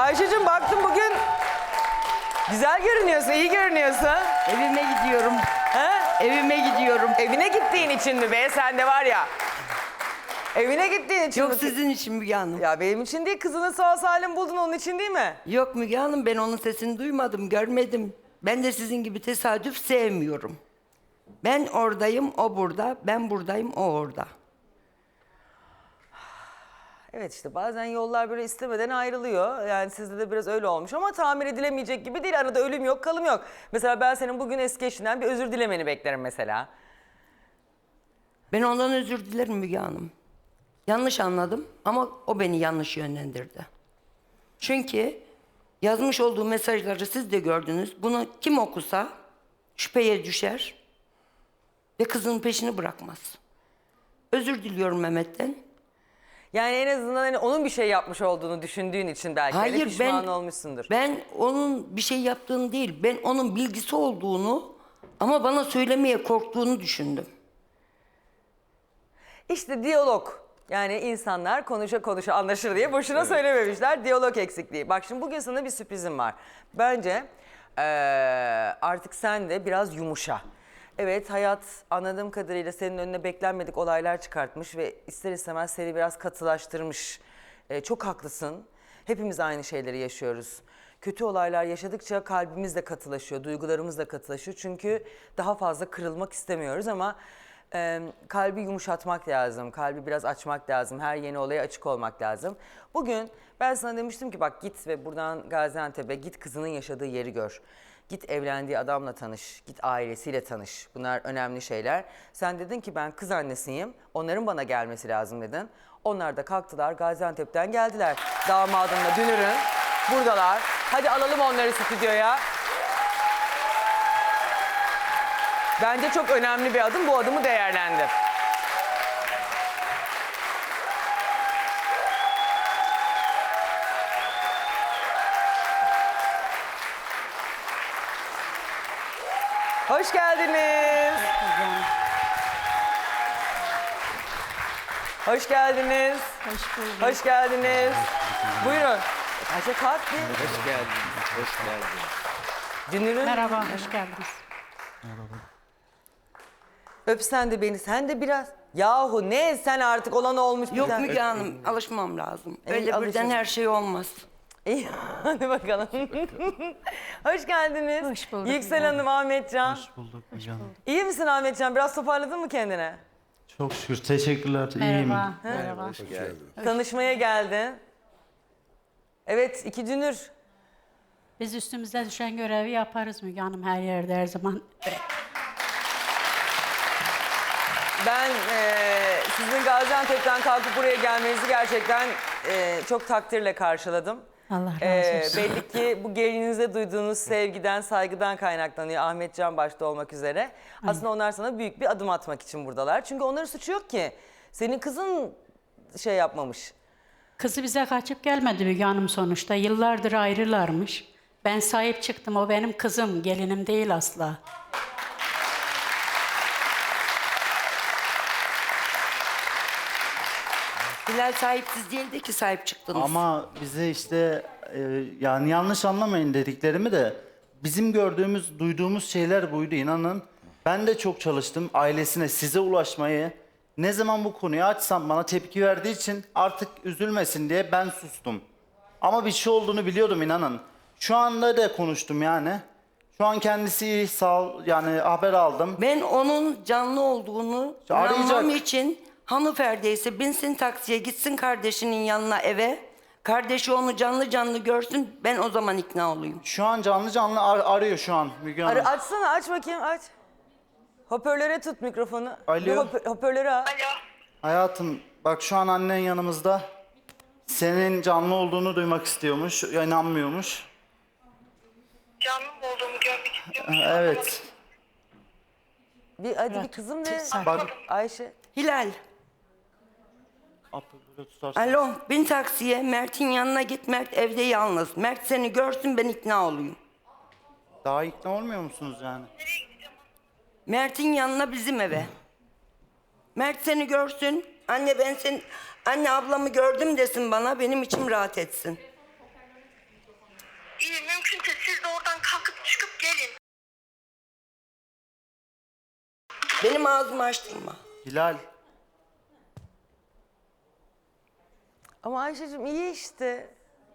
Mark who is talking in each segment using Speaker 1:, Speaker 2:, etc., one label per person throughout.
Speaker 1: Ayşe'cim baktım bugün güzel görünüyorsun, iyi görünüyorsun.
Speaker 2: Evime gidiyorum.
Speaker 1: He?
Speaker 2: Evime gidiyorum.
Speaker 1: Evine gittiğin için mi be? Sen de var ya. Evine gittiğin için
Speaker 2: Yok
Speaker 1: mi?
Speaker 2: sizin için Müge Hanım.
Speaker 1: Ya benim için değil, kızını sağ salim buldun onun için değil mi?
Speaker 2: Yok Müge Hanım, ben onun sesini duymadım, görmedim. Ben de sizin gibi tesadüf sevmiyorum. Ben oradayım, o burada. Ben buradayım, o orada.
Speaker 1: Evet işte bazen yollar böyle istemeden ayrılıyor. Yani sizde de biraz öyle olmuş ama tamir edilemeyecek gibi değil. Arada ölüm yok, kalım yok. Mesela ben senin bugün eski eşinden bir özür dilemeni beklerim mesela.
Speaker 2: Ben ondan özür dilerim Müge Hanım. Yanlış anladım ama o beni yanlış yönlendirdi. Çünkü yazmış olduğu mesajları siz de gördünüz. Bunu kim okusa şüpheye düşer ve kızının peşini bırakmaz. Özür diliyorum Mehmet'ten.
Speaker 1: Yani en azından hani onun bir şey yapmış olduğunu düşündüğün için belki hani
Speaker 2: Hayır,
Speaker 1: pişman olmuşsundur.
Speaker 2: ben onun bir şey yaptığını değil, ben onun bilgisi olduğunu ama bana söylemeye korktuğunu düşündüm.
Speaker 1: İşte diyalog. Yani insanlar konuşa konuşa anlaşır diye boşuna söylememişler. Diyalog eksikliği. Bak şimdi bugün sana bir sürprizim var. Bence artık sen de biraz yumuşa. Evet, hayat anladığım kadarıyla senin önüne beklenmedik olaylar çıkartmış ve ister istemez seni biraz katılaştırmış. Çok haklısın. Hepimiz aynı şeyleri yaşıyoruz. Kötü olaylar yaşadıkça kalbimiz de katılaşıyor, duygularımız da katılaşıyor. Çünkü daha fazla kırılmak istemiyoruz ama kalbi yumuşatmak lazım, kalbi biraz açmak lazım, her yeni olaya açık olmak lazım. Bugün ben sana demiştim ki bak git ve buradan Gaziantep'e git, kızının yaşadığı yeri gör. Git evlendiği adamla tanış, git ailesiyle tanış. Bunlar önemli şeyler. Sen dedin ki ben kız annesiyim, onların bana gelmesi lazım dedin. Onlar da kalktılar, Gaziantep'ten geldiler. Damadınla Dünür'ün buradalar. Hadi alalım onları stüdyoya. Bence çok önemli bir adım. Bu adımı değerlendir. Hoş geldiniz. Hoş geldiniz.
Speaker 3: Hoş bulduk.
Speaker 1: Hoş geldiniz. Buyurun. Ayşe kalk bir.
Speaker 4: Hoş geldin. Hoş geldin.
Speaker 1: Dünür'ün
Speaker 3: Merhaba, hoş geldiniz.
Speaker 1: öp sen de beni. Sen de biraz. Yahu ne sen artık olan olmuş.
Speaker 2: Yok
Speaker 1: bir
Speaker 2: Müge Hanım, alışmam lazım. Öyle birden
Speaker 1: alışın.
Speaker 2: her şey olmaz.
Speaker 1: İyi, hadi bakalım. Hoş geldiniz.
Speaker 3: Hoş bulduk.
Speaker 1: Yüksel Hanım, Ahmetcan.
Speaker 5: Hoş bulduk canım.
Speaker 1: İyi misin Ahmetcan? Biraz toparladın mı kendine?
Speaker 5: Çok şükür, teşekkürler. İyiyim.
Speaker 3: Merhaba. Merhaba.
Speaker 4: Hoş geldin.
Speaker 1: Tanışmaya geldin. Evet, iki dünür.
Speaker 3: Biz üstümüzde düşen görevi yaparız Müge Hanım her yerde her zaman.
Speaker 1: Ben sizin Gaziantep'ten kalkıp buraya gelmenizi gerçekten çok takdirle karşıladım.
Speaker 3: Allah razı olsun.
Speaker 1: Belli ki bu gelinize duyduğunuz sevgiden, saygıdan kaynaklanıyor. Ahmetcan başta olmak üzere. Aslında onlar sana büyük bir adım atmak için buradalar. Çünkü onların suçu yok ki. Senin kızın şey yapmamış.
Speaker 3: Kızı bize kaçıp gelmedi Müge Hanım sonuçta. Yıllardır ayrılarmış. Ben sahip çıktım. O benim kızım, gelinim değil asla.
Speaker 2: Hilal sahipsiz değildi ki sahip çıktınız.
Speaker 5: Ama bize işte yani yanlış anlamayın dediklerimi de bizim gördüğümüz, duyduğumuz şeyler buydu inanın. Ben de çok çalıştım ailesine, size ulaşmayı. Ne zaman bu konuyu açsam bana tepki verdiği için artık üzülmesin diye ben sustum. Ama bir şey olduğunu biliyordum inanın. Şu anda da konuştum yani. Şu an kendisi iyi, sağ ol, yani haber aldım.
Speaker 2: Ben onun canlı olduğunu
Speaker 5: Arayacak.
Speaker 2: inanmam için hanımefendi ise binsin taksiye gitsin kardeşinin yanına eve. Kardeşi onu canlı canlı görsün, ben o zaman ikna olayım.
Speaker 5: Şu an canlı canlı arıyor şu an Müge Hanım.
Speaker 1: Açsana, aç bakayım, aç. Hoparlöre tut mikrofonu.
Speaker 5: Alo.
Speaker 1: Bir hoparlörü al.
Speaker 5: Hayatım bak şu an annen yanımızda. Senin canlı olduğunu duymak istiyormuş, inanmıyormuş.
Speaker 6: Canlı mı olduğumu görmek istiyorum.
Speaker 5: Evet.
Speaker 1: Hadi bir kızım de.
Speaker 5: Bak.
Speaker 1: Ayşe.
Speaker 2: Hilal,
Speaker 5: Böyle tutarsın.
Speaker 2: alo, bin taksiye, Mert'in yanına git, Mert evde yalnız. Mert seni görsün, ben ikna olayım.
Speaker 5: Daha ikna olmuyor musunuz yani?
Speaker 2: Mert'in yanına, bizim eve. Mert seni görsün, anne ablamı gördüm desin bana, benim içim rahat etsin. ağzımı açtırma.
Speaker 5: Hilal.
Speaker 1: Ama Ayşe'cim iyi işte.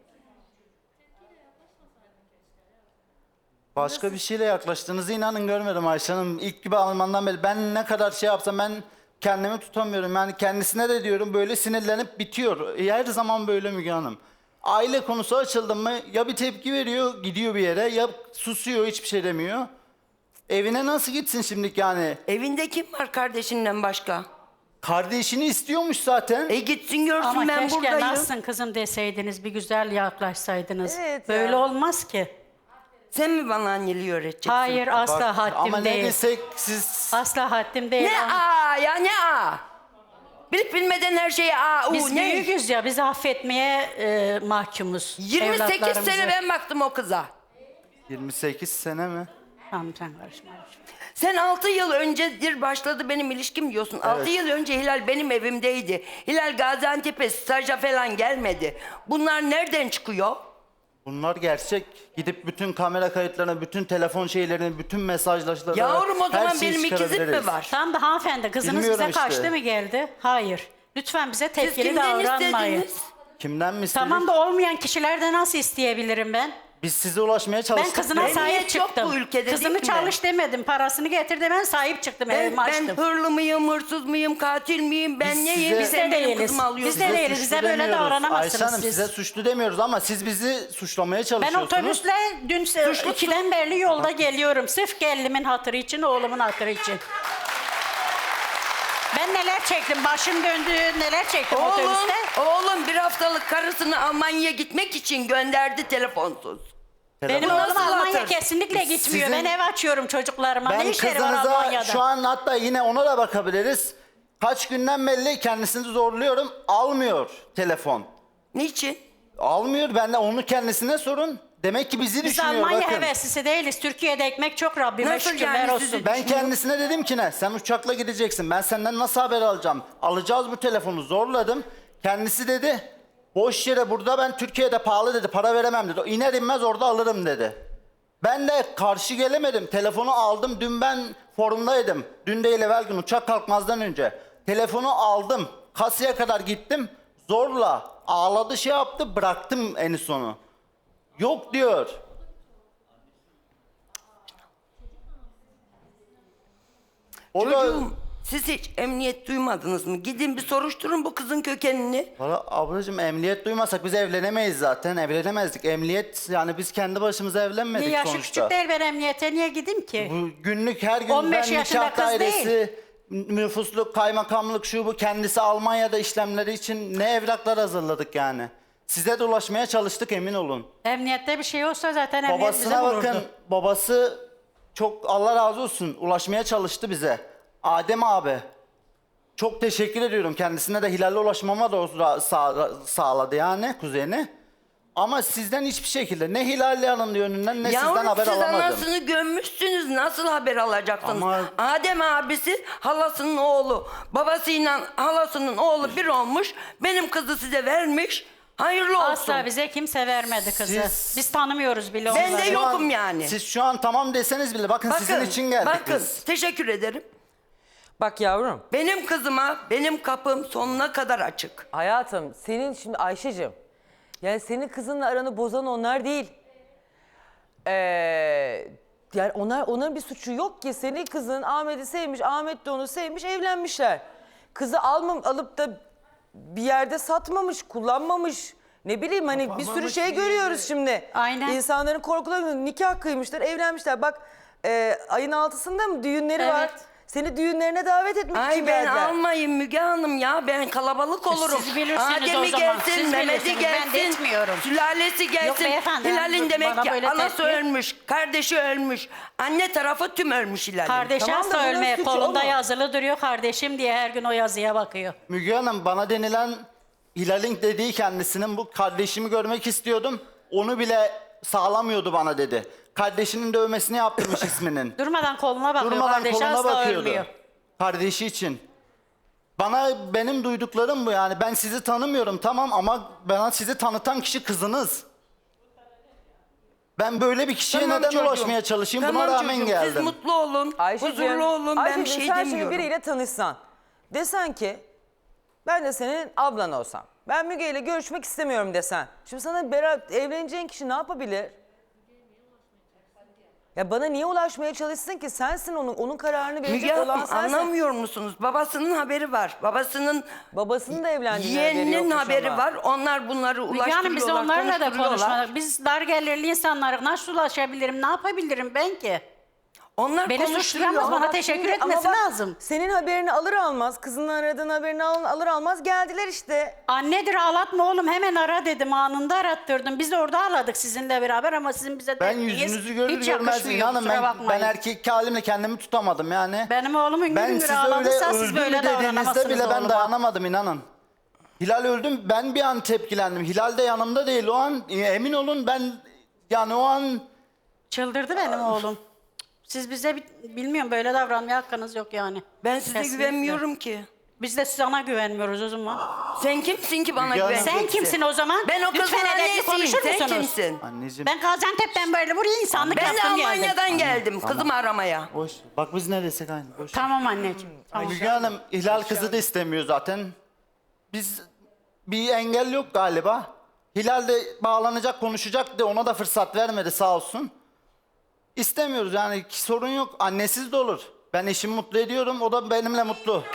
Speaker 5: Başka bir şeyle yaklaştığınızı inanın görmedim Ayşe Hanım. İlk gibi almandan beri ben ne kadar şey yapsam ben kendimi tutamıyorum. Yani kendisine de diyorum böyle sinirlenip bitiyor. Her zaman böyle Müge Hanım. Aile konusu açıldı mı ya bir tepki veriyor gidiyor bir yere ya susuyor hiçbir şey demiyor. Evine nasıl gitsin şimdilik yani?
Speaker 2: Evinde kim var kardeşinden başka?
Speaker 5: Kardeşini istiyormuş zaten.
Speaker 2: Gitsin görsün
Speaker 3: Ama
Speaker 2: ben
Speaker 3: keşke
Speaker 2: buradayım.
Speaker 3: nasılsın kızım deseydiniz, bir güzel yaklaşsaydınız.
Speaker 1: Evet ya.
Speaker 3: Böyle olmaz ki.
Speaker 2: Sen mi bana anneliği öğreteceksin?
Speaker 3: Hayır, asla
Speaker 5: Bak,
Speaker 3: haddim
Speaker 5: ama ne
Speaker 3: değil.
Speaker 5: desek siz...
Speaker 3: Asla haddim değil.
Speaker 2: Ne ya ne Bilip bilmeden her şeye
Speaker 3: Biz
Speaker 2: ne?
Speaker 3: büyüğüz ya, bizi affetmeye mahkumuz.
Speaker 2: 28
Speaker 3: evlatlarımızı.
Speaker 2: sene ben baktım o kıza.
Speaker 5: 28 sene mi?
Speaker 3: Tamam, sen karışma.
Speaker 2: Sen 6 yıl öncedir başladı benim ilişkim diyorsun. 6 yıl önce Hilal benim evimdeydi. Hilal Gaziantep'e staja falan gelmedi. Bunlar nereden çıkıyor?
Speaker 5: Bunlar gerçek. Gidip bütün kamera kayıtlarını, bütün telefon şeylerini, bütün mesajlaşmalarını...
Speaker 2: Yavrum o
Speaker 5: her
Speaker 2: zaman
Speaker 5: şeyi
Speaker 2: benim ikizim mi
Speaker 5: çıkarabiliriz.
Speaker 2: var?
Speaker 3: Tamam da hanımefendi, kızınız
Speaker 5: Bilmiyorum
Speaker 3: bize kaçtı
Speaker 5: işte.
Speaker 3: mı geldi? Hayır. Lütfen bize
Speaker 2: Siz
Speaker 3: tepkili
Speaker 2: kimden
Speaker 3: davranmayın.
Speaker 2: istediniz?
Speaker 5: Kimden mi istedik?
Speaker 3: Tamam da olmayan kişilerde nasıl isteyebilirim ben?
Speaker 5: Biz size ulaşmaya
Speaker 3: Ben
Speaker 5: çalıştık.
Speaker 3: kızına
Speaker 2: Memnuniyet
Speaker 3: sahip
Speaker 2: yok
Speaker 3: çıktım.
Speaker 2: bu ülkede,
Speaker 3: Kızını
Speaker 2: değil mi?
Speaker 3: çalış demedim, parasını getir de ben sahip çıktım, evimi
Speaker 2: Ben
Speaker 3: açtım.
Speaker 2: hırlı mıyım, hırsız mıyım, katil miyim? Ben
Speaker 5: Biz
Speaker 2: neyim?
Speaker 5: size-
Speaker 2: Sen
Speaker 3: Biz de
Speaker 2: benim
Speaker 3: değiliz.
Speaker 2: kızımı alıyorsun.
Speaker 3: Biz de değiliz.
Speaker 5: suçlu
Speaker 3: Bize böyle
Speaker 5: demiyoruz.
Speaker 3: davranamazsınız
Speaker 5: Ayşe Hanım
Speaker 3: siz.
Speaker 5: size suçlu demiyoruz ama siz bizi suçlamaya
Speaker 3: Ben
Speaker 5: çalışıyorsunuz.
Speaker 3: otobüsle dün 2'den beri yolda geliyorum. Sırf gelinimin hatırı için, oğlumun hatırı için. Ben neler çektim, başım döndü, neler çektim otobüste.
Speaker 2: Oğlum bir haftalık karısını Almanya'ya gitmek için gönderdi telefonsuz.
Speaker 3: Benim
Speaker 2: Bu
Speaker 3: oğlum
Speaker 2: nasıl
Speaker 3: Almanya
Speaker 2: hatır?
Speaker 3: kesinlikle gitmiyor.
Speaker 5: Sizin-
Speaker 3: Ben ev açıyorum çocuklarıma.
Speaker 5: Ben
Speaker 3: Ne işleri var
Speaker 5: kızınıza
Speaker 3: Almanya'da?
Speaker 5: şu an hatta yine ona da bakabiliriz. Kaç günden belli kendisini zorluyorum. Almıyor telefon.
Speaker 2: Niçin?
Speaker 5: Almıyor. Ben de onu kendisine sorun. Demek ki bizi
Speaker 3: Biz
Speaker 5: düşünüyor
Speaker 3: Almanya
Speaker 5: bakın.
Speaker 3: heveslisi değiliz. Türkiye'de ekmek çok, Rabbime
Speaker 2: Nasıl
Speaker 3: şükürler
Speaker 2: yani
Speaker 3: olsun.
Speaker 2: sizi-
Speaker 5: Ben kendisine dedim ki ne? Sen uçakla gideceksin. Ben senden nasıl haber alacağım? Alacağız bu telefonu. Zorladım. Kendisi dedi. Boş yere burada ben Türkiye'de pahalı dedi. Para veremem dedi. İner inmez orada alırım dedi. Ben de karşı gelemedim. Telefonu aldım. Dün ben forumdaydım. Dün değil evvel gün uçak kalkmazdan önce. Telefonu aldım. Kasaya kadar gittim. Zorla ağladı şey yaptı. Bıraktım en sonu. Yok diyor. O da...
Speaker 2: Çocuğum siz hiç emniyet duymadınız mı? Gidin bir soruşturun bu kızın kökenini.
Speaker 5: Valla ablacığım emniyet duymasak biz evlenemeyiz zaten. Evlenemezdik. Emniyet yani biz kendi başımıza evlenmedik
Speaker 3: Yaşı
Speaker 5: sonuçta.
Speaker 3: küçük değil, ben emniyete niye gideyim ki?
Speaker 5: Bu günlük her gün
Speaker 3: 15
Speaker 5: ben
Speaker 3: yaşında
Speaker 5: nikah
Speaker 3: kız
Speaker 5: dairesi, nüfusluk, kaymakamlık şu bu kendisi Almanya'da işlemleri için ne evraklar hazırladık yani. Size de ulaşmaya çalıştık emin olun.
Speaker 3: Emniyette bir şey olsa zaten emniyet bize
Speaker 5: Babasına
Speaker 3: vururdu.
Speaker 5: bakın babası çok Allah razı olsun ulaşmaya çalıştı bize. Adem abi. Çok teşekkür ediyorum. Kendisine de Hilal'le ulaşmama da o sağladı yani kuzeni. Ama sizden hiçbir şekilde ne Hilal'le alındı yönünden ne sizden
Speaker 2: Yavrum
Speaker 5: haber
Speaker 2: siz
Speaker 5: alamadım.
Speaker 2: anasını gömmüşsünüz. Nasıl haber alacaksınız?
Speaker 5: Ama-
Speaker 2: Adem abisi halasının oğlu. Babasıyla halasının oğlu bir olmuş. Benim kızı size vermiş. Hayırlı olsun.
Speaker 3: Asla bize kimse vermedi kızı.
Speaker 5: Siz-
Speaker 3: Biz tanımıyoruz bile
Speaker 2: Ben
Speaker 3: onları.
Speaker 2: de
Speaker 5: Şu an-
Speaker 2: yokum yani.
Speaker 5: Siz şu an tamam deseniz bile bakın sizin için geldik
Speaker 2: bakın,
Speaker 5: biz.
Speaker 2: teşekkür ederim.
Speaker 1: Bak yavrum,
Speaker 2: Benim kızıma benim kapım sonuna kadar açık.
Speaker 1: hayatım senin şimdi Ayşe'cim. Yani senin kızınla aranı bozan onlar değil. Yani onların bir suçu yok ki. Senin kızın Ahmet'i sevmiş, Ahmet de onu sevmiş, evlenmişler. Kızı alıp da bir yerde satmamış, kullanmamış. Ne bileyim hani bir sürü şey görüyoruz şimdi.
Speaker 3: Aynen.
Speaker 1: İnsanların korkularıyla nikah kıymışlar, evlenmişler. Bak ayın 6'sında mı düğünleri var?
Speaker 3: Evet.
Speaker 1: Seni düğünlerine davet etmek
Speaker 2: Ay
Speaker 1: için
Speaker 2: ben
Speaker 1: geldiler.
Speaker 2: almayın Müge Hanım ya. Ben kalabalık olurum.
Speaker 3: Siz bilirsiniz
Speaker 2: Adem'i
Speaker 3: o zaman.
Speaker 2: gelsin,
Speaker 3: Siz
Speaker 2: Mehmet'i
Speaker 3: bilirsiniz. Ben de
Speaker 2: gelsin.
Speaker 3: etmiyorum.
Speaker 2: Sülalesi gelsin.
Speaker 3: beyefendi,
Speaker 2: Hilal'in demek
Speaker 3: bana
Speaker 2: ki
Speaker 3: böyle
Speaker 2: anası
Speaker 3: tepki-
Speaker 2: ölmüş, kardeşi ölmüş. Anne tarafı tüm ölmüş Hilal'in.
Speaker 3: Kardeşi
Speaker 1: Tamam da
Speaker 3: asla
Speaker 1: bunun
Speaker 3: ölmeye
Speaker 1: suçu
Speaker 3: kolunda
Speaker 1: o mu?
Speaker 3: yazılı duruyor kardeşim diye, her gün o yazıya bakıyor.
Speaker 5: Müge Hanım bana denilen Hilal'in dediği kendisinin bu kardeşimi görmek istiyordum. Onu bile sağlamıyordu bana dedi. Kardeşinin dövmesini yaptırmış isminin.
Speaker 3: Durmadan koluna bakıyor,
Speaker 5: Durmadan
Speaker 3: kardeşi
Speaker 5: koluna
Speaker 3: asla
Speaker 5: bakıyordu.
Speaker 3: ölmüyor.
Speaker 5: Kardeşi için. Benim duyduklarım bu yani. Ben sizi tanımıyorum tamam ama bana sizi tanıtan kişi kızınız. Ben böyle bir kişiye
Speaker 2: Tamam
Speaker 5: neden
Speaker 2: çocuğum.
Speaker 5: ulaşmaya çalışayım? Buna
Speaker 2: Tamam
Speaker 5: rağmen
Speaker 2: çocuğum,
Speaker 5: geldim.
Speaker 2: Siz mutlu olun, huzurlu olun. Ben bir
Speaker 1: Ayşe'cim,
Speaker 2: şey
Speaker 1: sen şimdi
Speaker 2: demiyorum.
Speaker 1: biriyle tanışsan. Desen ki ben de senin ablan olsam. Ben Müge ile görüşmek istemiyorum desen. Şimdi sana evleneceğin kişi ne yapabilir? Ya bana niye ulaşmaya çalışsın ki? Sensin onun kararını
Speaker 2: Müge
Speaker 1: verecek olan
Speaker 2: Hanım,
Speaker 1: sensin.
Speaker 2: anlamıyor musunuz? Babasının haberi var. Babasının
Speaker 1: Babasının da evlendiğine haberi
Speaker 2: yeğeninin
Speaker 1: yokmuş
Speaker 2: haberi
Speaker 1: ama.
Speaker 2: var. Onlar bunları
Speaker 3: Müge
Speaker 2: ulaştırıyorlar,
Speaker 3: Hanım biz onlarla da
Speaker 2: konuşturuyorlar.
Speaker 3: konuşmadık. Biz dar gelirli insanlara nasıl ulaşabilirim, ne yapabilirim ben ki?
Speaker 2: Onlar
Speaker 3: Beni
Speaker 2: konuşturuyor.
Speaker 3: suçlayamaz, bana
Speaker 1: Bak
Speaker 3: teşekkür
Speaker 1: şimdi- ama
Speaker 3: etmesi
Speaker 1: bak,
Speaker 3: lazım.
Speaker 1: Senin haberini alır almaz, kızının aradığın haberini alır almaz geldiler işte.
Speaker 3: Annedir ağlatma oğlum hemen ara dedim, anında arattırdım. Biz de orada ağladık sizinle beraber ama sizin bize
Speaker 5: Ben
Speaker 3: derdiniz
Speaker 5: yüzünüzü görür
Speaker 3: hiç
Speaker 5: görmez
Speaker 3: yakışmıyor,
Speaker 5: inanın
Speaker 3: kusura
Speaker 5: ben
Speaker 3: bakmayın.
Speaker 5: erkek halimle kendimi tutamadım yani.
Speaker 3: Benim oğlumun
Speaker 5: Ben
Speaker 3: gün
Speaker 5: siz
Speaker 3: gün
Speaker 5: öyle
Speaker 3: ağladıysa siz
Speaker 5: öldü
Speaker 3: böyle
Speaker 5: mü dediğinizde
Speaker 3: davranamazsınız
Speaker 5: bile ben
Speaker 3: oğluma.
Speaker 5: dayanamadım inanın. Hilal öldüm ben bir an tepkilendim. Hilal de yanımda değil o an emin olun ben yani o an
Speaker 3: Çıldırdı benim oğlum. Siz bize bilmiyorum böyle davranmaya hakkınız yok yani.
Speaker 2: Ben size
Speaker 3: Kesinlikle.
Speaker 2: güvenmiyorum ki.
Speaker 3: Biz de sana güvenmiyoruz o zaman.
Speaker 2: Sen kimsin ki bana
Speaker 5: Müge Hanım-
Speaker 2: güveneceksin?
Speaker 3: Sen kimsin o zaman?
Speaker 2: Ben o kızın
Speaker 3: Lütfen edepli
Speaker 2: annesiyim.
Speaker 3: konuşur
Speaker 2: Sen
Speaker 3: musunuz?
Speaker 2: kimsin?
Speaker 5: anneciğim
Speaker 3: Ben Gaziantep'ten böyle buraya insanlık
Speaker 2: Ben de
Speaker 3: yaptım geldim.
Speaker 2: Almanya'dan geldim kızımı aramaya.
Speaker 5: boş. Bak biz ne desek aynı boş.
Speaker 3: Tamam anneciğim. Tamam.
Speaker 5: Müge Hanım Hilal kızı da istemiyor zaten. Biz bir engel yok galiba. Hilal de bağlanacak konuşacak da ona da fırsat vermedi sağ olsun. İstemiyoruz yani sorun yok. Annesiz de olur. Ben eşimi mutlu ediyorum o da benimle mutlu.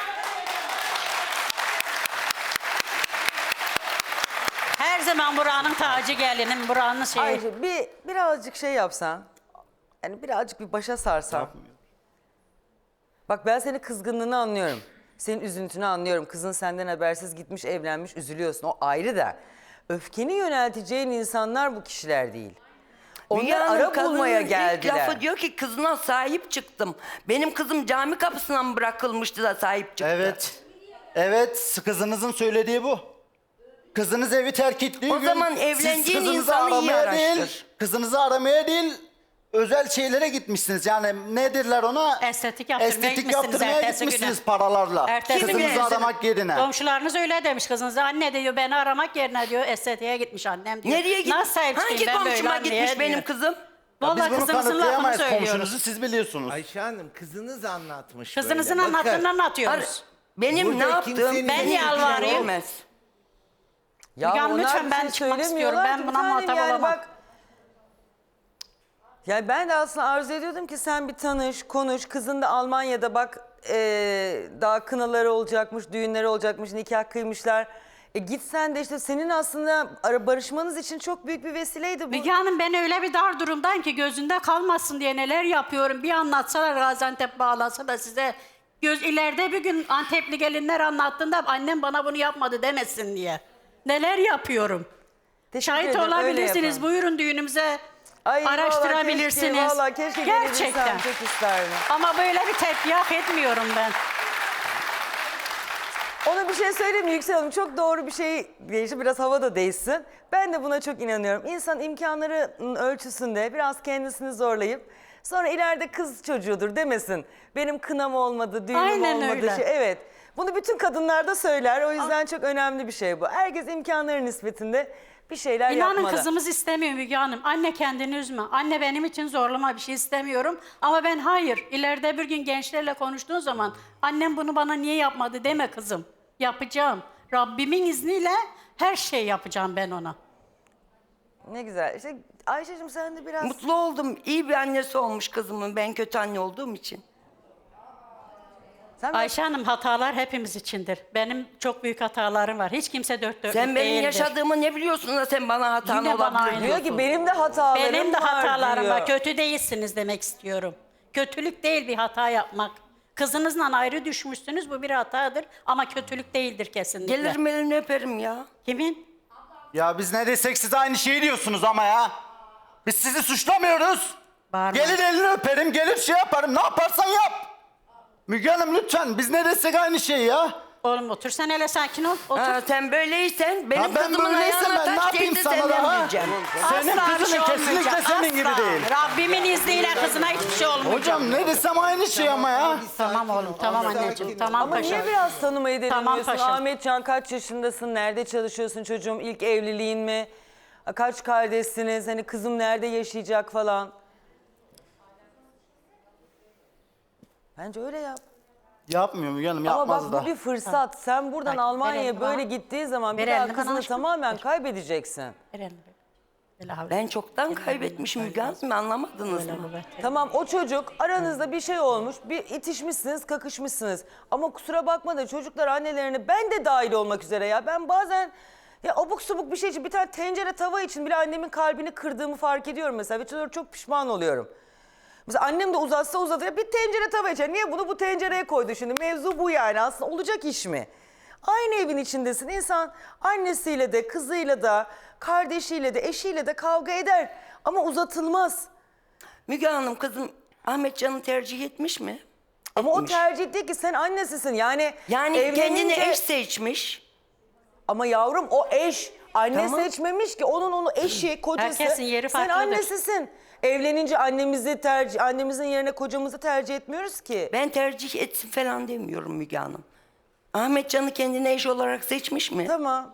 Speaker 3: Her zaman buranın tacı gelinim, buranın şeyi.
Speaker 1: Ayşe birazcık şey yapsan. Yani birazcık bir başa sarsan. Bak ben senin kızgınlığını anlıyorum. Senin üzüntünü anlıyorum. Kızın senden habersiz gitmiş, evlenmiş, üzülüyorsun. O ayrı da. Öfkeni yönelteceğin insanlar bu kişiler değil.
Speaker 2: Müge
Speaker 1: Onlar
Speaker 2: Hanım,
Speaker 1: ara
Speaker 2: kadının
Speaker 1: bulmaya
Speaker 2: ilk
Speaker 1: geldiler.
Speaker 2: lafı diyor ki kızına sahip çıktım. Benim kızım cami kapısına mı bırakılmıştı da sahip çıktı?
Speaker 5: Evet. Evet kızınızın söylediği bu. Kızınız evi terk ettiği
Speaker 2: O
Speaker 5: gün
Speaker 2: zaman
Speaker 5: siz
Speaker 2: evlendiğin
Speaker 5: kızınızı
Speaker 2: insanı iyi
Speaker 5: aramaya değil,
Speaker 2: araştır.
Speaker 5: kızınızı aramaya değil özel şeylere gitmişsiniz. Yani nedirler ona?
Speaker 3: Estetik yaptırmaya
Speaker 5: Estetik
Speaker 3: gitmişsiniz
Speaker 5: yaptırmaya
Speaker 3: ertesi güne.
Speaker 5: gitmişsiniz paralarla.
Speaker 3: Ertesi
Speaker 5: Kızınızı
Speaker 3: güne.
Speaker 5: aramak yerine.
Speaker 3: Komşularınız öyle demiş kızınıza. Anne diyor beni aramak yerine diyor estetiğe gitmiş annem diyor.
Speaker 2: Nereye gitmiş?
Speaker 3: Nasıl sahip
Speaker 2: Hangi
Speaker 3: çıkayım ben böyle
Speaker 2: komşuma
Speaker 3: anneye
Speaker 2: gitmiş benim
Speaker 3: diyor.
Speaker 2: kızım?
Speaker 5: Biz
Speaker 3: Vallahi
Speaker 5: bunu
Speaker 3: kızımızın lafını
Speaker 5: kanıtlayamayız
Speaker 3: söylüyoruz.
Speaker 5: komşunuzu siz biliyorsunuz.
Speaker 4: Ayşe Hanım kızınız anlatmış
Speaker 3: Kızınızın
Speaker 4: böyle. Bakın,
Speaker 3: anlattığını anlatıyoruz.
Speaker 2: Benim
Speaker 4: Burada
Speaker 2: ne yaptığım
Speaker 4: kimsenin
Speaker 3: Ben
Speaker 2: beni
Speaker 3: yalvarayım.
Speaker 2: ilgilendirmez.
Speaker 1: Ya
Speaker 3: Müge Hanım,
Speaker 1: onlar
Speaker 3: lütfen
Speaker 1: bir
Speaker 3: ben
Speaker 1: şey
Speaker 3: çıkmak istiyorum.
Speaker 1: söylemiyorlar
Speaker 3: Ben
Speaker 1: ki
Speaker 3: buna
Speaker 1: bir tanem
Speaker 3: muhatap
Speaker 1: yani
Speaker 3: olamam.
Speaker 1: bak. Yani ben de aslında arzu ediyordum ki sen bir tanış, konuş. Kızın da Almanya'da bak daha kınaları olacakmış, düğünleri olacakmış, nikah kıymışlar. Gitsen de işte senin aslında barışmanız için çok büyük bir vesileydi bu.
Speaker 3: Müge Hanım ben öyle bir dar durumdayım ki gözünde kalmasın diye neler yapıyorum. Bir anlatsalar Gaziantep bağlansa da size ileride bir gün Antepli gelinler anlattığında annem bana bunu yapmadı demesin diye. Neler yapıyorum.
Speaker 1: Teşekkür
Speaker 3: Şahit
Speaker 1: ederim, öyle
Speaker 3: olabilirsiniz.
Speaker 1: yapalım.
Speaker 3: Buyurun düğünümüze
Speaker 1: Ay,
Speaker 3: araştırabilirsiniz.
Speaker 1: Vallahi keşke
Speaker 3: Gerçekten.
Speaker 1: gelebilsem, çok isterdim.
Speaker 3: Ama böyle bir tepki hak etmiyorum ben.
Speaker 1: Ona bir şey söyleyeyim mi Yüksel Hanım? Çok doğru bir şey değişti. Biraz hava da değişsin. Ben de buna çok inanıyorum. İnsan imkanlarının ölçüsünde biraz kendisini zorlayıp sonra ileride kız çocuğudur demesin. Benim kınam olmadı, düğünüm
Speaker 3: Aynen
Speaker 1: olmadı.
Speaker 3: öyle.
Speaker 1: Evet. Bunu bütün kadınlar da söyler. O yüzden çok önemli bir şey bu. Herkes imkanları nispetinde bir şeyler
Speaker 3: İnanın
Speaker 1: yapmalı.
Speaker 3: kızımız istemiyor Müge Hanım. Anne kendini üzme. Anne benim için zorlama bir şey istemiyorum. Ama ben hayır. İleride bir gün gençlerle konuştuğun zaman annem bunu bana niye yapmadı deme kızım. Yapacağım. Rabbimin izniyle her şey yapacağım ben ona.
Speaker 1: Ne güzel. İşte Ayşe'cim sen de biraz...
Speaker 2: Mutlu oldum. İyi bir annesi olmuş kızımın. Ben kötü anne olduğum için.
Speaker 1: Sen biraz-
Speaker 3: Ayşe Hanım hatalar hepimiz içindir. Benim çok büyük hatalarım var. Hiç kimse dört dörtlük
Speaker 2: Sen benim
Speaker 3: değildir.
Speaker 2: yaşadığımı ne biliyorsun da sen bana hatan
Speaker 3: Yine bana
Speaker 2: olabilir
Speaker 3: aynı.
Speaker 1: diyor
Speaker 2: diyorsun.
Speaker 1: ki benim de hatalarım
Speaker 3: Benim de
Speaker 1: var
Speaker 3: hatalarım
Speaker 1: diyor.
Speaker 3: var. Kötü değilsiniz demek istiyorum. Kötülük değil bir hata yapmak. Kızınızla ayrı düşmüşsünüz bu bir hatadır ama kötülük değildir kesinlikle.
Speaker 2: Gelirim elini öperim ya.
Speaker 3: Kimin?
Speaker 5: Ya biz ne desek siz aynı şeyi diyorsunuz ama ya. Biz sizi suçlamıyoruz.
Speaker 3: Bağırma.
Speaker 5: Gelir elini öperim, gelir şey yaparım. Ne yaparsan yap. Müge Hanım lütfen biz ne desek aynı şey ya.
Speaker 3: Oğlum otur sen hele sakin ol. Otur.
Speaker 2: Ha, sen böyleysen benim
Speaker 5: Ya ben
Speaker 2: kızımın
Speaker 5: böyleysem
Speaker 2: ayağına
Speaker 5: ben ne
Speaker 2: taş
Speaker 5: yapayım
Speaker 2: değdi
Speaker 5: sana
Speaker 2: senden
Speaker 5: daha?
Speaker 2: diyeceğim.
Speaker 5: Senin
Speaker 3: Asla bir
Speaker 5: kızın
Speaker 3: şey
Speaker 5: kesinlikle
Speaker 3: olmayacak.
Speaker 5: senin gibi
Speaker 3: Asla.
Speaker 5: değil.
Speaker 3: Rabbimin izniyle kızına hiçbir şey olmayacak.
Speaker 5: Hocam ne desem aynı şey ama ya.
Speaker 4: Bir sakin
Speaker 3: Tamam oğlum,
Speaker 4: ol,
Speaker 3: tamam
Speaker 4: sakin
Speaker 3: anneciğim,
Speaker 4: ol.
Speaker 3: tamam
Speaker 1: Ama
Speaker 3: paşam.
Speaker 1: niye biraz tanımayı
Speaker 3: Tamam
Speaker 1: denemiyorsun?
Speaker 3: paşam.
Speaker 1: Ahmetcan kaç yaşındasın? Nerede çalışıyorsun çocuğum? İlk evliliğin mi? Kaç kardeşsiniz? Hani kızım nerede yaşayacak falan. Bence öyle yap.
Speaker 5: Yapmıyor Müge Hanım,
Speaker 1: Ama
Speaker 5: yapmaz
Speaker 1: bak
Speaker 5: da.
Speaker 1: bu bir fırsat. Sen buradan
Speaker 3: Bak,
Speaker 1: Almanya'ya
Speaker 3: verelim
Speaker 1: böyle
Speaker 3: bana.
Speaker 1: gittiği zaman bir
Speaker 3: Verelim
Speaker 1: daha
Speaker 3: bana
Speaker 1: kızını
Speaker 3: aşkım.
Speaker 1: tamamen
Speaker 3: Ver.
Speaker 1: kaybedeceksin.
Speaker 3: Ver elini. Böyle havlu.
Speaker 2: Ben çoktan kaybetmişim Müge Hanım, anlamadınız
Speaker 3: Böyle
Speaker 2: mı?
Speaker 3: bu, ver.
Speaker 1: Tamam, o çocuk aranızda bir şey olmuş, bir itişmişsiniz, kakışmışsınız. Ama kusura bakma da çocuklar annelerine, ben de dahil olmak üzere ya. Ben bazen ya abuk subuk bir şey için, bir tane tencere tava için bile annemin kalbini kırdığımı fark ediyorum mesela. Ve çok pişman oluyorum. Mesela annem de uzatsa uzatır, bir tencere tava için. Niye bunu bu tencereye koydu şimdi? Mevzu bu yani. Aslında olacak iş mi? Aynı evin içindesin. İnsan annesiyle de, kızıyla da, kardeşiyle de, eşiyle de kavga eder. Ama uzatılmaz.
Speaker 2: Müge Hanım, kızım Ahmetcan'ı tercih etmiş mi?
Speaker 1: Ama o
Speaker 2: Etmiş.
Speaker 1: tercih değil ki, sen annesisin. Yani
Speaker 2: Yani kendine
Speaker 1: evlenince-
Speaker 2: eş seçmiş.
Speaker 1: Ama yavrum o eş. Anne
Speaker 2: Tamam.
Speaker 1: seçmemiş ki. Onun eşi, kocası.
Speaker 3: Herkesin yeri
Speaker 1: Sen
Speaker 3: farklıdır.
Speaker 1: annesisin. Evlenince annemizin yerine kocamızı tercih etmiyoruz ki.
Speaker 2: Ben tercih etsin falan demiyorum Müge Hanım. Ahmetcan'ı kendine eş olarak seçmiş mi?
Speaker 1: Tamam.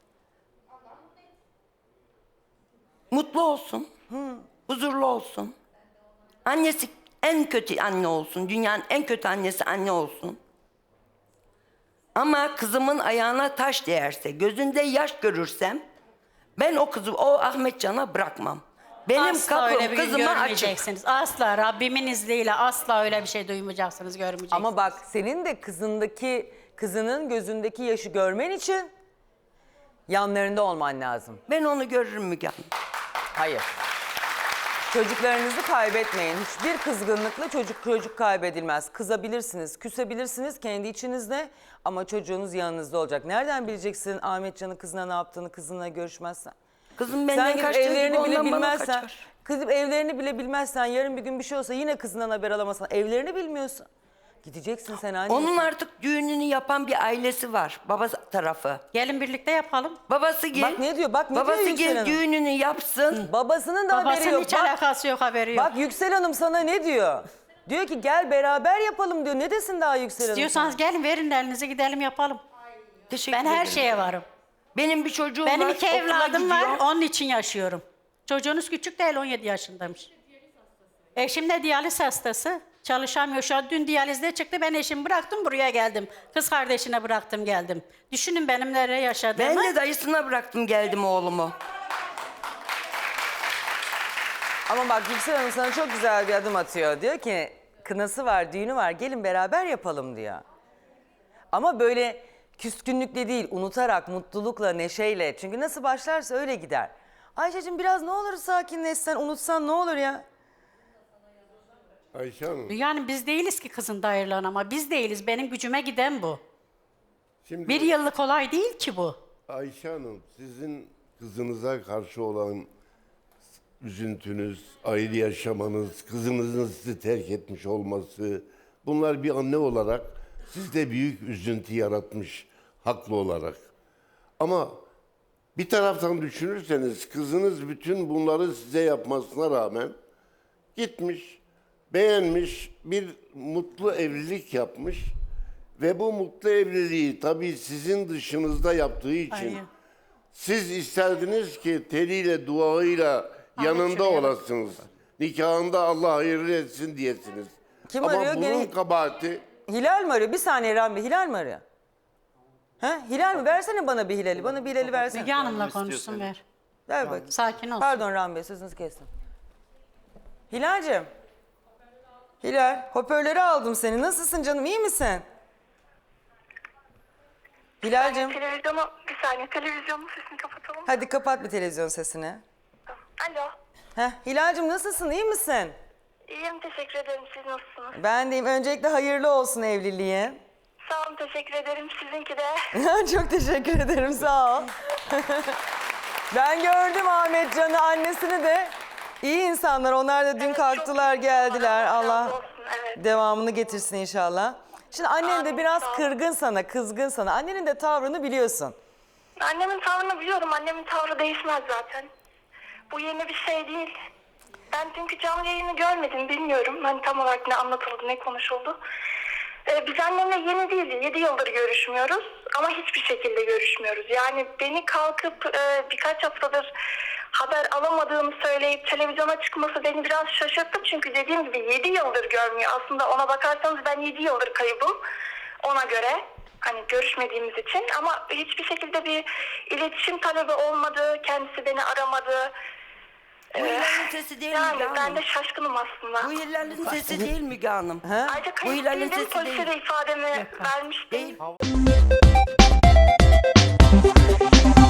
Speaker 2: Mutlu olsun. Huzurlu olsun. Annesi en kötü anne olsun. Dünyanın en kötü annesi anne olsun. Ama kızımın ayağına taş değerse, gözünde yaş görürsem ben o kızı, o Ahmetcan'a bırakmam. Benim
Speaker 3: Asla öyle
Speaker 2: kapım
Speaker 3: bir gün
Speaker 2: kızıma açık.
Speaker 3: görmeyeceksiniz. Asla Rabbimin izniyle asla öyle bir şey duymayacaksınız, görmeyeceksiniz.
Speaker 1: Ama bak, senin de kızının gözündeki yaşı görmen için yanlarında olman lazım.
Speaker 2: Ben onu görürüm Müge Hanım.
Speaker 1: Hayır. Çocuklarınızı kaybetmeyin. Hiçbir kızgınlıkla çocuk kaybedilmez. Kızabilirsiniz, küsebilirsiniz kendi içinizde ama çocuğunuz yanınızda olacak. Nereden bileceksin Ahmetcan'ın kızına ne yaptığını, kızınla görüşmezsen?
Speaker 2: Kızım
Speaker 1: Sen
Speaker 2: benden
Speaker 1: gidip
Speaker 2: kaçtığı gibi
Speaker 1: evlerini bile
Speaker 2: ondan bana
Speaker 1: bilmezsen,
Speaker 2: kaçar.
Speaker 1: kızım evlerini bile bilmezsen, yarın bir gün bir şey olsa yine kızından haber alamazsan, evlerini bilmiyorsun. Gideceksin sen anne.
Speaker 2: Onun artık düğününü yapan bir ailesi var. Babası tarafı.
Speaker 3: Gelin birlikte yapalım.
Speaker 2: Babası gel.
Speaker 1: Bak ne diyor, bak ne diyor
Speaker 2: Babası
Speaker 1: Yüksel
Speaker 2: gel
Speaker 1: Hanım.
Speaker 2: düğününü yapsın.
Speaker 1: Babasının da haberi
Speaker 3: Babasının
Speaker 1: yok.
Speaker 3: hiç
Speaker 1: Bak,
Speaker 3: alakası yok, haberi yok.
Speaker 1: bak Yüksel Hanım sana ne diyor? Diyor ki gel beraber yapalım diyor. Ne desin daha Yüksel Hanım?
Speaker 3: İstiyorsanız gelin, verin elinizi, gidelim yapalım.
Speaker 2: Teşekkür
Speaker 3: Ben
Speaker 2: ederim.
Speaker 3: her şeye varım.
Speaker 2: Benim bir çocuğum
Speaker 3: Benim
Speaker 2: var.
Speaker 3: 2
Speaker 2: okula
Speaker 3: evladım var,
Speaker 2: gidiyor.
Speaker 3: onun için yaşıyorum. Çocuğunuz küçük değil, 17 yaşındaymış. Eşim de diyaliz hastası. Çalışamıyor. Şu an dün diyalizde çıktı. Ben eşimi bıraktım, buraya geldim. Kız kardeşine bıraktım, geldim. Düşünün benim nereye yaşadığımı.
Speaker 2: Ben de dayısına bıraktım geldim oğlumu.
Speaker 1: Ama bak Yüksel Hanım sana çok güzel bir adım atıyor. Diyor ki kınası var, düğünü var, gelin beraber yapalım diyor. Ama böyle küskünlükle değil, unutarak, mutlulukla, neşeyle. Çünkü nasıl başlarsa öyle gider. Ayşe'cim biraz ne olur sakinleşsen, unutsan ne olur ya?
Speaker 7: Ayşe Hanım,
Speaker 3: Yani biz değiliz ki kızın da ayrılan, ama biz değiliz. Benim gücüme giden bu.
Speaker 7: şimdi
Speaker 3: 1 yıllık olay değil ki bu.
Speaker 7: Ayşe Hanım sizin kızınıza karşı olan üzüntünüz, ayrı yaşamanız, kızınızın sizi terk etmiş olması, bunlar bir anne olarak sizde büyük üzüntü yaratmış, haklı olarak. Ama bir taraftan düşünürseniz kızınız bütün bunları size yapmasına rağmen gitmiş, beğenmiş, bir mutlu evlilik yapmış ve bu mutlu evliliği tabii sizin dışınızda yaptığı için
Speaker 3: Hayır.
Speaker 7: siz isterdiniz ki teliyle, duayla yanında
Speaker 3: şuraya bak.
Speaker 7: olasınız. Nikahında Allah hayırlı etsin diyesiniz.
Speaker 1: Kim
Speaker 7: Ama
Speaker 1: arıyor?
Speaker 7: bunun
Speaker 1: Gene-
Speaker 7: kabahati
Speaker 1: Hilal mi arıyor? Bir saniye Rambi, Hilal mi arıyor? He? Hilal mi? Versene bana bir Hilal'i. Bana bir Hilal'i versene.
Speaker 3: Müge Hanım'la konuşsun, ver.
Speaker 1: Ver bakayım.
Speaker 3: Sakin olsun.
Speaker 1: Pardon Rambi, sözünüzü kestim. Hilal'cim. Hilal, hoparlörü aldım seni. Nasılsın canım, iyi misin? Hilal'cim,
Speaker 6: Bir saniye televizyonun sesini kapatalım.
Speaker 1: hadi kapat bir televizyon sesini.
Speaker 6: Alo.
Speaker 1: Hilal'cim nasılsın, iyi misin?
Speaker 6: İyiyim, teşekkür ederim. Siz nasılsınız?
Speaker 1: Ben deyim, öncelikle hayırlı olsun evliliğin.
Speaker 6: Sağ olun, teşekkür ederim. Sizinki de.
Speaker 1: Çok teşekkür ederim, sağ ol. Ben gördüm Ahmetcan'ı, annesini de. İyi insanlar, onlar da dün
Speaker 6: Evet,
Speaker 1: kalktılar,
Speaker 6: çok
Speaker 1: geldiler.
Speaker 6: razı
Speaker 1: Allah
Speaker 6: olsun, evet.
Speaker 1: devamını getirsin inşallah. Şimdi annen de
Speaker 6: Amin,
Speaker 1: biraz
Speaker 6: sağ ol.
Speaker 1: kırgın sana, kızgın sana. Annenin de tavrını biliyorsun.
Speaker 6: Annemin tavrını biliyorum. Annemin tavrı değişmez zaten. Bu yeni bir şey değil. Ben çünkü canlı yayını görmedim, bilmiyorum. Hani tam olarak ne anlatıldı, ne konuşuldu. Biz annemle yeni değil, 7 yıldır görüşmüyoruz. Ama hiçbir şekilde görüşmüyoruz. Yani beni kalkıp birkaç haftadır haber alamadığını söyleyip televizyona çıkması beni biraz şaşırttı. Çünkü dediğim gibi 7 yıldır görmüyor. Aslında ona bakarsanız ben 7 yıldır kaybım ona göre. Hani görüşmediğimiz için ama hiçbir şekilde bir iletişim talebi olmadı. Kendisi beni aramadı.
Speaker 2: Bu Hilal'in sesi değil
Speaker 6: Yani
Speaker 2: Müge
Speaker 6: ben
Speaker 2: Hanım.
Speaker 6: de şaşkınım aslında.
Speaker 2: Bu Hilal'in sesi değil Müge Hanım.
Speaker 6: Ayrıca
Speaker 2: Bu
Speaker 6: kayıp
Speaker 2: Hilal'in
Speaker 6: değildim,
Speaker 2: sesi
Speaker 6: polise
Speaker 2: değil.
Speaker 6: de ifademi vermiştim.
Speaker 2: Değil.